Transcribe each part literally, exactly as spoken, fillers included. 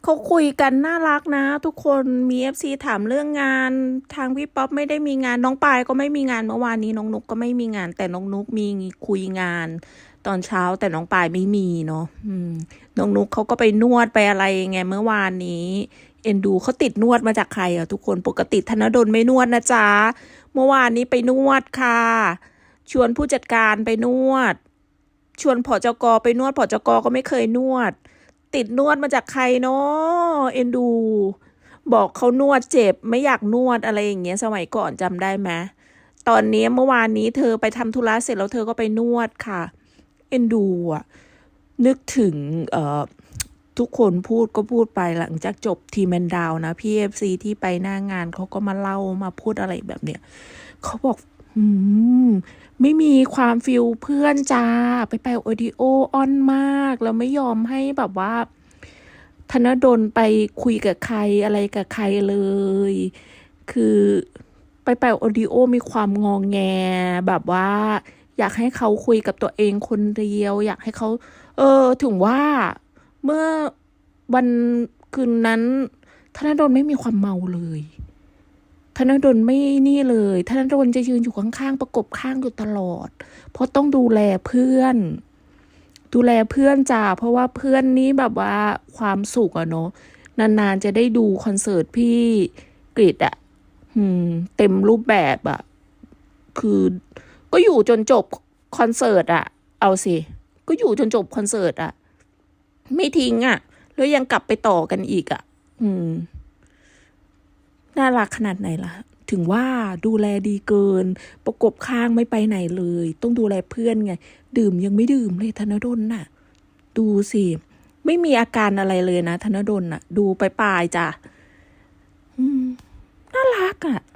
เขาคุยกันน่ารักนะทุกคนมีเอฟซีถามเรื่องงานทางพี่ป๊อปไม่ได้มีงานน้องปายก็ไม่มีงานเมื่อวานนี้น้องนุกก็ไม่มีงานแต่น้องนุกมีคุยงานตอนเช้าแต่น้องปายไม่มีเนาะอืมน้องนุกเขาก็ไปนวดไปอะไรไงเมื่อวานนี้เอ็นดูเขาติดนวดมาจากใครอ่ะทุกคนปกติธนดลไม่นวดนะจ๊ะเมื่อวานนี้ไปนวดค่ะชวนผู้จัดการไปนวดชวนผจกไปนวดผจกก็ไม่เคยนวดติดนวดมาจากใครเนาะเอ็นดูบอกเขานวดเจ็บไม่อยากนวดอะไรอย่างเงี้ยสมัยก่อนจำได้ไหมตอนนี้เมื่อวานนี้เธอไปทำธุระเสร็จแล้วเธอก็ไปนวดค่ะเอ็นดูอ่ะนึกถึงเอ่อทุกคนพูดก็พูดไปหลังจากจบทีมแมนดาวนะพี่เอฟซีที่ไปหน้างานเขาก็มาเล่ามาพูดอะไรแบบเนี้ยเขาบอกอืมไม่มีความฟิลเพื่อนจ้าไปไปโอดิโอออนมากแล้วไม่ยอมให้แบบว่าธนดลไปคุยกับใครอะไรกับใครเลยคือไปไปโอดิโอมีความงองแงแบบว่าอยากให้เขาคุยกับตัวเองคนเดียวอยากให้เขาเออถึงว่าเมื่อวันคืนนั้นธนดลไม่มีความเมาเลยธนดลไม่นี่เลยธนดลจะยืนอยู่ข้างๆประกบข้างอยู่ตลอดเพราะต้องดูแลเพื่อนดูแลเพื่อนจ้าเพราะว่าเพื่อนนี้แบบว่าความสุขอะเนาะนานๆจะได้ดูคอนเสิร์ตพี่กฤษอะอืมเต็มรูปแบบอะคือก็อยู่จนจบคอนเสิร์ตอะเอาสิก็อยู่จนจบคอนเสิร์ตอะไม่ทิ้งอะแล้วยังกลับไปต่อกันอีกอะอืมน่ารักขนาดไหนล่ะถึงว่าดูแลดีเกินประกบข้างไม่ไปไหนเลยต้องดูแลเพื่อนไงดื่มยังไม่ดื่มเลยธนดลน่ะดูสิไม่มีอาการอะไรเลยนะธนดลน่ะดูไปปลายจ้ะอืมน่ารักอ่ะ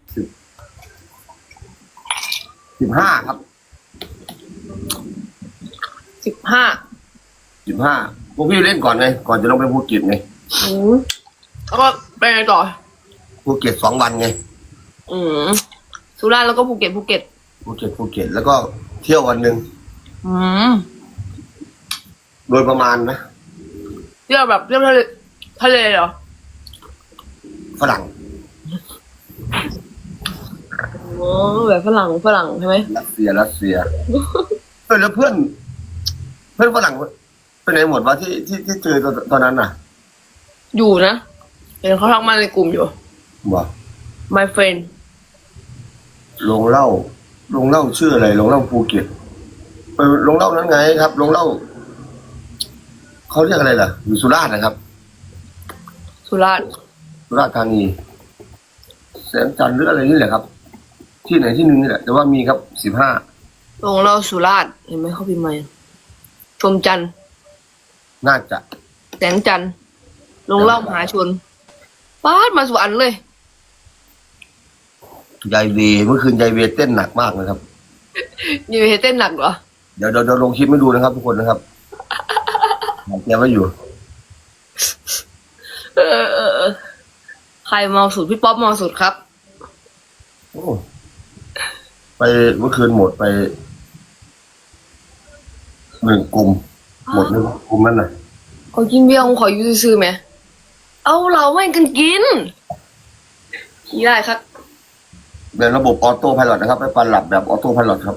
สิบห้าครับสิบห้าสิบห้าพวกพี่เล่นก่อนไงก่อนจะลงไปภูเก็ตไงอืมแล้วก็ไปไงต่อภูเก็ตสองวันไงอืมสุราษฎร์แล้วก็ภูเก็ตภูเก็ตภูเก็ตภูเก็ตแล้วก็เที่ยววันหนึ่งอืมโดยประมาณนะเที่ยวแบบเที่ยวทะเลทะเลเหรอฝรั่งอ๋อแบบฝรั่งฝรั่งใช่ไหมรัสเซียรัสเซียเออแล้วเพื่อนเพื่อนฝรั่งไปไหนหมดวะที่ที่ที่เจอตอนนั้นน่ะอยู่นะเห็นเขาทักมาในกลุ่มอยู่ว่า my friend ลงเหล้าลงเหล้าชื่ออะไรลงเหล้าภูเก็ตไปลงเหล้านั้นไงครับลงเหล้าเขาเรียกอะไรล่ะอยู่สุราษฎร์นะครับสุราษฎร์สุราษฎร์ธานีแสงจันทร์หรืออะไรนี่แหละครับที่ไหนที่หนึ่งนี่แหละแต่ว่ามีครับสิบห้าลงเราสุราษฎร์เห็นไหมเขาพิมพ์มาชมจันทร์น่าจะแสงจันทร์ลงเล่ามหาชนฟาดมาสุวรรณเลยยายเวเมื่อคืนยายเวเต้นหนักมากนะครับอยู่เฮเต้นหนักเหรอเดี๋ยวเดี๋ยวลงคลิปให้ดูนะครับทุกคนนะครับแกไว้อยู่เออเออใครเมาสุดพี่ป๊อปเมาสุดครับโอ้ไปเมื่อคืนหมดไปหนึ่งกลุ่มหมดหนึ่งกลุ่มนั่นน่ะขอกินเบียร์ผมขอยูซื้อไหมเอาเราไม่กันกินขี้ได้ครับเป็นระบบออโต้ไพลอตนะครับไปปันหลับแบบออโต้ไพลอตครับ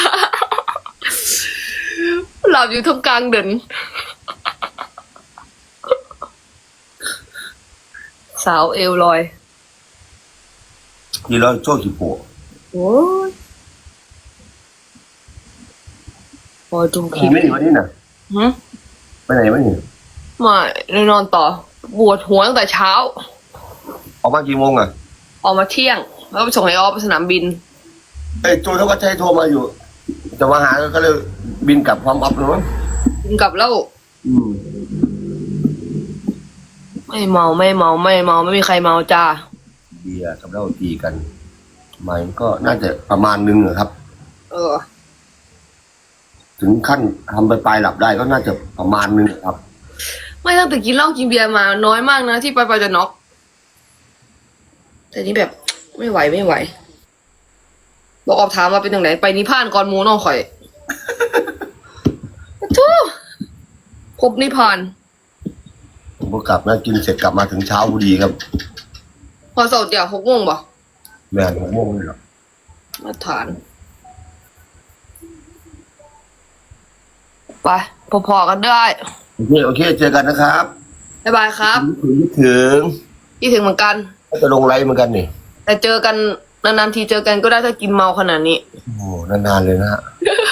หลับอยู่ท่ามกลางเดินสาวเอวลอยทีเราโชว์ขีโปะโอ้ยพอดูคลิปไม่หนีวันนี้น่ะฮะไปไหนไม่หนีไม่นอนต่อปวดหัวตั้งแต่เช้าออกมากี่โมงอ่ะออกมาเที่ยงแล้วไปส่งไอ้ออฟไปสนามบินไอ้โจทวัชชัยโทรมาอยู่จะมาหาก็เลยบินกลับพร้อมออฟเลยมั้งบินกลับแล้วอืมไม่เมาไม่เมาไม่เมาไม่มีใครเมาจ้าเบียร์กับเหล้าตีกันมันก็น่าจะประมาณนึงครับเออถึงขั้นทำไปปลายหลับได้ก็น่าจะประมาณนึงครับไม่ตั้งแต่กินเหล้ากินเบียร์มาน้อยมากนะที่ไปไปจะน็อกแต่นี่แบบไม่ไหวไม่ไหวบอกออกถามมาเป็นยังไงไปนิพพานก่อนหมูน้องข่อยทุพบนิพพานผมก็กลับนะกินเสร็จกลับมาถึงเช้าพอดีครับพอเสาร์เดี๋ยวหกโมงบ่แม่หกโมงเลยเหรอมาทาน ไปพอๆกันได้โอเคโอเคเจอกันนะครับบ๊ายบายครับคิดถึงคิดถึงเหมือนกันก็จะลงไลฟ์เหมือนกันนี่แต่เจอกันนานๆทีเจอกันก็ได้ถ้ากินเมาขนาดนี้โอ้นานๆเลยนะฮะ